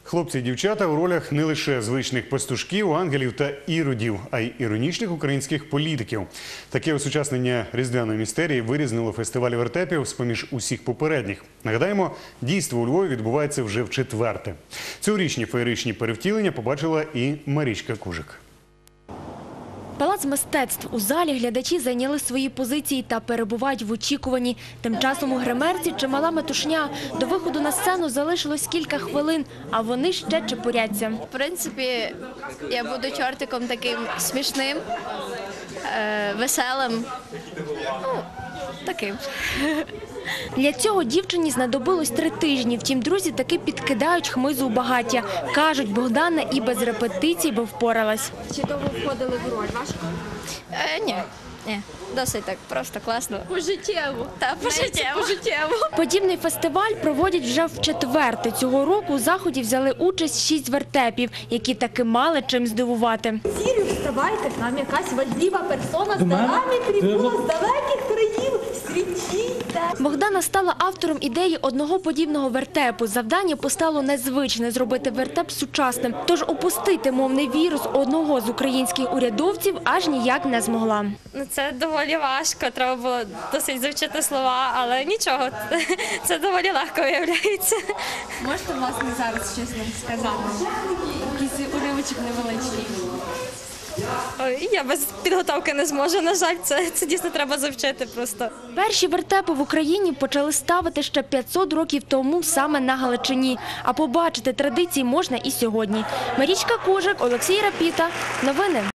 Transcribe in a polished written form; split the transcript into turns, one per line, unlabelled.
Хлопці і дівчата у ролях не лише звичних пастушків, ангелів та іродів, а й іронічних українських політиків. Таке осучаснення різдвяної містерії вирізнило фестиваль вертепів з-поміж усіх попередніх. Нагадаємо, дійство у Львові відбувається вже вчетверте. Цьогорічні феєричні перевтілення побачила і Марічка Кужик.
Палац мистецтв. У залі глядачі зайняли свої позиції та перебувають в очікуванні. Тим часом у гримерці чимала метушня. До виходу на сцену залишилось кілька хвилин, а вони ще чепуряться.
В принципі, я буду чортиком таким смішним, веселим, таким.
Для цього дівчині знадобилось 3 тижні. Втім, друзі таки підкидають хмизу у багаття. Кажуть, Богдана і без репетицій би впоралась.
Чи довго входили в роль? Важко? Ні. Досить так, просто класно. Пожиттєво. Так, пожиттєво.
Подібний фестиваль проводять вже вчетверте. Цього року у заході взяли участь 6 вертепів, які таки мали чим здивувати.
Сірю, вставайте, к нам якась важлива персона з нами прибула з далеких країв, світіте.
Богдана стала автором ідеї одного подібного вертепу. Завдання постало незвичне – зробити вертеп сучасним. Тож опустити мовний вірус одного з українських урядовців аж ніяк не змогла.
Це доволі важко, треба було досить завчити слова, але нічого, це доволі легко виявляється.
Можете, власне, зараз щось нам сказати? Якийсь уривочок невеличкий.
Я без підготовки не зможу, на жаль, це дійсно треба завчити просто.
Перші вертепи в Україні почали ставити ще 500 років тому саме на Галичині. А побачити традиції можна і сьогодні. Марічка Кужик, Олексій Рапіта. Новини.